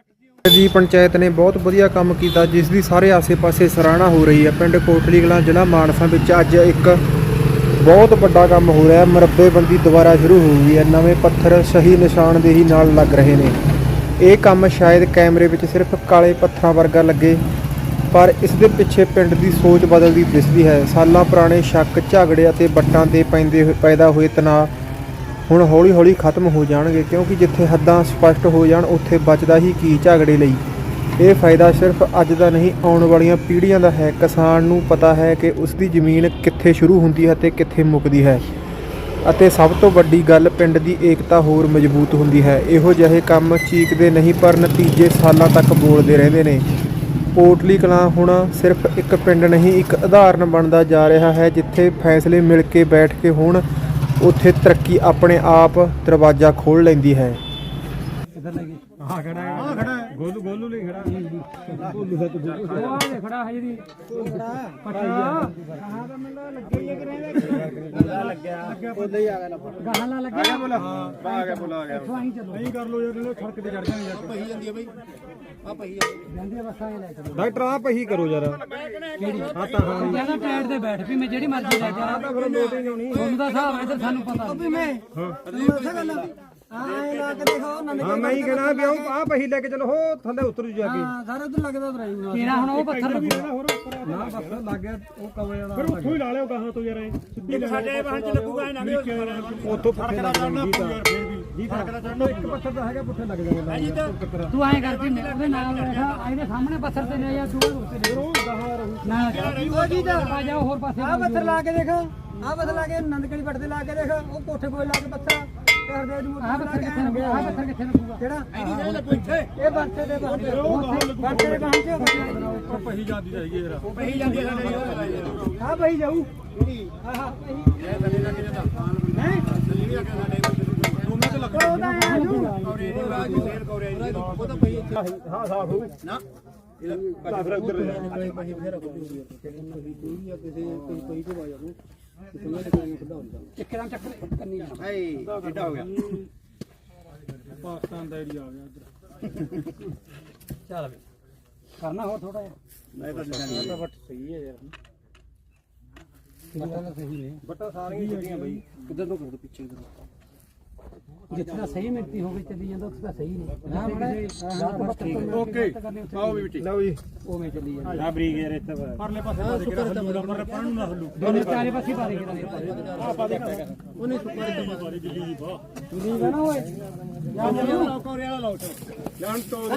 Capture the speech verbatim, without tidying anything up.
ਜੀ ਪੰਚਾਇਤ ਨੇ ਬਹੁਤ ਵਧੀਆ ਕੰਮ ਕੀਤਾ, ਜਿਸ ਦੀ ਸਾਰੇ ਆਸੇ-ਪਾਸੇ ਸਰਾਹਨਾ ਹੋ ਰਹੀ ਹੈ। ਪਿੰਡ ਕੋਟਲੀ ਕਲਾਂ ਜ਼ਿਲ੍ਹਾ ਮਾਨਸਾ ਵਿੱਚ ਅੱਜ ਇੱਕ ਬਹੁਤ ਵੱਡਾ ਕੰਮ ਹੋ ਰਿਹਾ ਹੈ। ਮਰੱਬੇਬੰਦੀ ਦੁਬਾਰਾ ਸ਼ੁਰੂ ਹੋ ਗਈ ਹੈ। ਨਵੇਂ ਪੱਥਰ ਸਹੀ ਨਿਸ਼ਾਨਦੇਹੀ ਨਾਲ ਲੱਗ ਰਹੇ ਨੇ। ਇਹ ਕੰਮ ਸ਼ਾਇਦ ਕੈਮਰੇ ਵਿੱਚ ਸਿਰਫ ਕਾਲੇ ਪੱਥਰਾਂ ਵਰਗਾ ਲੱਗੇ, ਪਰ ਇਸ ਦੇ ਪਿੱਛੇ ਪਿੰਡ ਦੀ ਸੋਚ ਬਦਲਦੀ ਦਿਸਦੀ ਹੈ। ਸਾਲਾਂ ਪੁਰਾਣੇ ਸ਼ੱਕ, ਝਗੜੇ ਅਤੇ ਵੱਟਾਂ 'ਤੇ ਪੈਂਦੇ ਹੋਏ ਪੈਦਾ ਹੋਏ ਤਣਾਅ ਹੁਣ ਹੌਲੀ ਹੌਲੀ ਖਤਮ ਹੋ ਜਾਣਗੇ, ਕਿਉਂਕਿ ਜਿੱਥੇ ਹੱਦਾਂ ਸਪਸ਼ਟ ਹੋ ਜਾਣ ਉੱਥੇ ਬਚਦਾ ਹੀ ਕੀ ਝਗੜੇ ਲਈ। ਇਹ ਫਾਇਦਾ ਸਿਰਫ ਅੱਜ ਦਾ ਨਹੀਂ, ਆਉਣ ਵਾਲੀਆਂ ਪੀੜ੍ਹੀਆਂ ਦਾ ਹੈ। ਕਿਸਾਨ ਨੂੰ ਪਤਾ ਹੈ ਕਿ ਉਸ ਦੀ ਜ਼ਮੀਨ ਕਿੱਥੇ ਸ਼ੁਰੂ ਹੁੰਦੀ ਹੈ ਅਤੇ ਕਿੱਥੇ ਮੁੱਕਦੀ ਹੈ, ਅਤੇ ਸਭ ਤੋਂ ਵੱਡੀ ਗੱਲ, ਪਿੰਡ ਦੀ ਏਕਤਾ ਹੋਰ ਮਜ਼ਬੂਤ ਹੁੰਦੀ ਹੈ। ਇਹੋ ਜਿਹੇ ਕੰਮ ਚੀਕਦੇ ਨਹੀਂ, ਪਰ ਨਤੀਜੇ ਸਾਲਾਂ ਤੱਕ ਬੋਲਦੇ ਰਹਿੰਦੇ ਨੇ। ਕੋਟਲੀ ਕਲਾਂ ਹੁਣ ਸਿਰਫ ਇੱਕ ਪਿੰਡ ਨਹੀਂ, ਇੱਕ ਉਦਾਹਰਨ ਬਣਦਾ ਜਾ ਰਿਹਾ ਹੈ। ਜਿੱਥੇ ਫੈਸਲੇ ਮਿਲ ਕੇ ਬੈਠ ਕੇ ਹੋਣ, ਉੱਥੇ ਤਰੱਕੀ ਆਪਣੇ ਆਪ ਦਰਵਾਜ਼ਾ ਖੋਲ੍ਹ ਲੈਂਦੀ ਹੈ। ਹਾਂ ਖੜਾ ਹੈ, ਹਾਂ ਖੜਾ ਹੈ, ਗੋਲੂ ਗੋਲੂ ਲਈ ਖੜਾ ਹੈ, ਗੋਲੂ ਦਾ ਤੂੰ ਉਹ ਖੜਾ ਹੈ ਜੀ, ਉਹ ਖੜਾ ਪਟਾ ਕਹਾਂ ਦਾ ਮੈਨੂੰ ਲੱਗਿਆ ਹੀ ਕਿ ਰਹਿੰਦਾ ਲੱਗਿਆ ਉਹਦੇ ਹੀ ਆ ਗਿਆ ਨਾ ਗਾਹਾਂ ਨਾਲ ਲੱਗਿਆ ਬੋਲਾ, ਹਾਂ ਆ ਗਿਆ ਬੋਲਾ ਆ ਗਿਆ। ਨਹੀਂ ਕਰ ਲੋ ਯਾਰ, ਸੜਕ ਤੇ ਚੜ ਜਾਣੀ ਯਾਰ, ਪਹੀ ਜਾਂਦੀ ਹੈ ਬਈ, ਆ ਪਹੀ ਜਾਂਦੀ ਹੈ ਬਸ ਆ ਲੈ ਚਲੋ ਡਾਕਟਰ, ਆ ਪਹੀ ਕਰੋ ਯਾਰ। ਕਿਹੜੀ ਹਾਂ ਤਾਂ ਹਾਂ ਜਿਆਦਾ ਟਾਇਰ ਤੇ ਬੈਠ ਵੀ ਮੈਂ ਜਿਹੜੀ ਮਰਜ਼ੀ ਲੈ ਜਾ, ਤਾਂ ਫਿਰ ਲੋਟ ਹੀ ਨਹੀਂ ਹੋਣੀ। ਤੁਹਾਨੂੰ ਦਾ ਹਿਸਾਬ ਇਧਰ ਸਾਨੂੰ ਪਤਾ ਵੀ ਮੈਂ ਹਾਂ ਦੱਸਾਂ ਗੱਲ ਆਏ ਲਾ ਕੇ ਦੇਖੋ ਨੰਦ। ਹਾਂ ਮੈਂ ਹੀ ਕਹਿਣਾ ਵੀ ਉਹ ਆ ਪਹੀ ਲੈ ਕੇ ਚਲੋ, ਹੋ ਥੱਲੇ ਉਤਰ ਜੂ ਜਾ ਕੇ। ਹਾਂ ਸਾਰੇ ਉਧਰ ਲੱਗਦਾ ਉਤਰਾਈ ਤੇਰਾ ਹੁਣ ਉਹ ਪੱਥਰ ਲੱਗੂਗਾ ਹੋਰ ਨਾ, ਪੱਥਰ ਲੱਗ ਗਿਆ ਉਹ ਕਵੇ ਵਾਲਾ, ਫਿਰ ਉੱਥੋਂ ਹੀ ਲਾ ਲਿਓ ਗਾਹਾਂ ਤੋਂ ਯਾਰ। ਇਹ ਸਾਡੇ ਵਾਹਨ ਚ ਲੱਗੂਗਾ ਨਾ, ਉੱਥੋਂ ਪੁੱਠੇ ਲੱਗ ਜਾਣਗੇ ਜੀ। ਫਰਕ ਦਾ ਚੜਨਾ ਇੱਕ ਪੱਥਰ ਦਾ ਹੈਗਾ, ਪੁੱਠੇ ਲੱਗ ਜਾਣਗੇ। ਤੂੰ ਐਂ ਕਰਕੇ ਉਹਦੇ ਨਾਲ ਬੈਠਾ, ਇਹਦੇ ਸਾਹਮਣੇ ਪੱਥਰ ਤੇ ਲੈ ਜਾ, ਦੂਰ ਉੱਤੇ ਉਹ ਗਾਹਾਂ ਰਹੂ ਨਾ ਉਹ ਜੀ ਦਾ ਆ ਜਾ ਹੋਰ ਪਾਸੇ। ਆ ਪੱਥਰ ਲਾ ਕੇ ਦੇਖ, ਆ ਪੱਥਰ ਲਾ ਕੇ ਨੰਦਕੜੀ ਪੱਟ ਤੇ ਲਾ ਕੇ ਦੇਖ, ਉਹ ਕੋਠੇ ਕੋਲ ਲਾ ਕੇ ਪੱਥਰ ਕਰਦੇ ਨੂੰ। ਆਹ ਪੱਥਰ ਕਿੱਥੇ ਲੱਗਿਆ, ਆਹ ਪੱਥਰ ਕਿੱਥੇ ਲੱਗੂਗਾ ਕਿਹੜਾ ਇਹ ਬੰਤੇ ਦੇ ਬੰਤੇ ਬੰਤੇ ਦੇ ਬੰਤੇ ਉਹ ਪਹੀ ਜਾਂਦੀ ਜਾਈਏ ਯਾਰ, ਉਹ ਪਹੀ ਜਾਂਦੀ ਹੈ ਸਾਡੇ। ਆਹ ਪਹੀ ਜਾਊ ਆਹ ਪਹੀ ਇਹ ਥੱਲੇ ਲੱਗ ਜਾਂਦਾ ਹੈ, ਥੱਲੇ ਵੀ ਆ ਕੇ ਸਾਡੇ ਦੋਨਾਂ ਤੇ ਲੱਗਦਾ ਉਹਦਾ ਆ ਜੂ ਔਰੇ ਦੀ ਬਾਜ ਫੇਰ ਕੋਰੇ ਜੀ, ਉਹ ਤਾਂ ਪਹੀ ਇੱਥੇ ਹਾਂ ਸਾਫ ਹੋ ਨਾ ਇਹਦਾ ਫਿਰ ਉੱਧਰ ਲੈ ਪਹੀ ਫੇਰ ਕੋਈ ਕੋਈ ਆ ਕਿਸੇ ਕੋਈ ਕੋਈ ਤੋਂ ਆ ਜਾਊ ਇੱਕਦਮ ਚੱਕਰ ਕੰਨੀ ਜਾਣਾ ਹਾਏ ਏਡਾ ਹੋ ਗਿਆ। ਪਾਕਿਸਤਾਨ ਦਾ ਏਰੀਆ ਆ ਗਿਆ ਇੱਧਰ। ਚੱਲ ਕਰਨਾ ਹੋਰ ਥੋੜਾ ਜਿਹਾ, ਨਹੀਂ ਤਾਂ ਬੱਟ ਸਹੀ ਹੈ ਯਾਰ, ਬੱਟਾ ਸਹੀ ਨੇ, ਬੱਟਾ ਸਾਰੀਆਂ ਛੱਡੀਆਂ ਬਈ। ਕਿੱਧਰ ਤੋਂ ਕਰ ਦੋ ਪਿੱਛੇ ਇਧਰ, ਜਿੱਥੇ ਸਹੀ ਮਿਲਤੀ ਹੋਵੇ ਚੱਲੀ ਜਾਂਦਾ ਉੱਥੇ ਤਾਂ ਸਹੀ ਨਹੀਂ। ਓਕੇ ਆਓ ਵੀ ਬਿੱਟੀ ਲਓ ਜੀ, ਉਵੇਂ ਚੱਲੀ ਜਾਂਦਾ ਆ ਬਰੀਕ ਯਾਰ। ਇੱਥੇ ਪਰਲੇ ਪਾਸੇ ਪਾ ਦੇ ਕੇ ਹੱਲੂਗਾ, ਪਰ ਪਾਣ ਨੂੰ ਨਾ ਹੱਲੂ, ਦੋਨੇ ਚਾਰੇ ਪਾਸੇ ਪਾ ਦੇ ਕੇ ਆ ਪਾ ਦੇ ਉਹਨੇ ਸੁੱਕਾ ਦੇ ਪਾ ਦੇ ਦਿੱਲੀ ਦੀ ਬਾ ਦਿੱਲੀ ਦਾ ਨਾ ਓਏ ਜਾਂ ਕੋਰੇ ਵਾਲਾ ਲਾਓ ਜਾਨ ਤੋਂ।